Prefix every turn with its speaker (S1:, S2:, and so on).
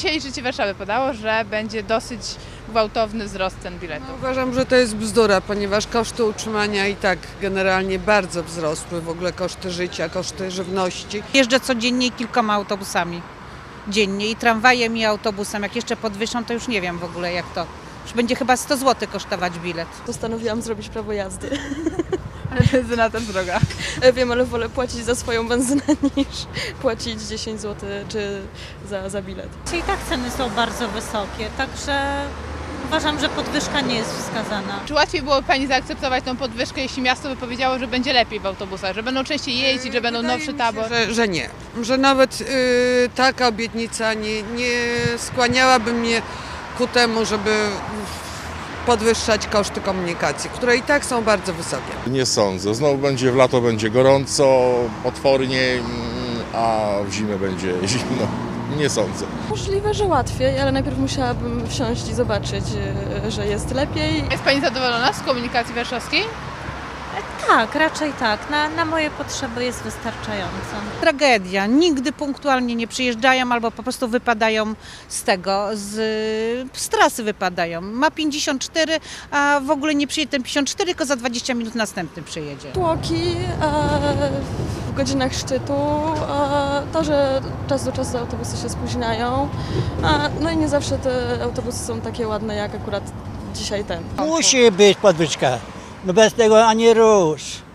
S1: Dzisiaj Życie Warszawy podało, że będzie dosyć gwałtowny wzrost cen biletów.
S2: Uważam, że to jest bzdura, ponieważ koszty utrzymania i tak generalnie bardzo wzrosły, w ogóle koszty życia, koszty żywności.
S3: Jeżdżę codziennie kilkoma autobusami dziennie i tramwajem i autobusem. Jak jeszcze podwyższą, to już nie wiem w ogóle jak to. Już będzie chyba 100 zł kosztować bilet.
S4: Postanowiłam zrobić prawo jazdy.
S1: Ale benzyna też droga.
S4: Wiem, ale wolę płacić za swoją benzynę niż płacić 10 zł czy za bilet.
S5: I tak ceny są bardzo wysokie, także uważam, że podwyżka nie jest wskazana.
S1: Czy łatwiej byłoby Pani zaakceptować tą podwyżkę, jeśli miasto by powiedziało, że będzie lepiej w autobusach, że będą częściej jeździć, że będą
S2: Wydaje
S1: nowszy
S2: mi się,
S1: tabor?
S2: Że nie, że nawet taka obietnica nie skłaniałaby mnie ku temu, żeby podwyższać koszty komunikacji, które i tak są bardzo wysokie.
S6: Nie sądzę. Znowu będzie w lato będzie gorąco, potwornie, a w zimę będzie zimno. Nie sądzę.
S4: Możliwe, że łatwiej, ale najpierw musiałabym wsiąść i zobaczyć, że jest lepiej.
S1: Jest Pani zadowolona z komunikacji warszawskiej?
S5: Tak, raczej tak. Na moje potrzeby jest wystarczająco.
S3: Tragedia. Nigdy punktualnie nie przyjeżdżają albo po prostu wypadają z trasy wypadają. Ma 54, a w ogóle nie przyjedzie ten 54, tylko za 20 minut następny przyjedzie.
S4: Tłoki w godzinach szczytu, to, że czas do czasu autobusy się spóźniają, no i nie zawsze te autobusy są takie ładne jak akurat dzisiaj ten.
S7: Musi być podwyżka, no bez tego ani rusz.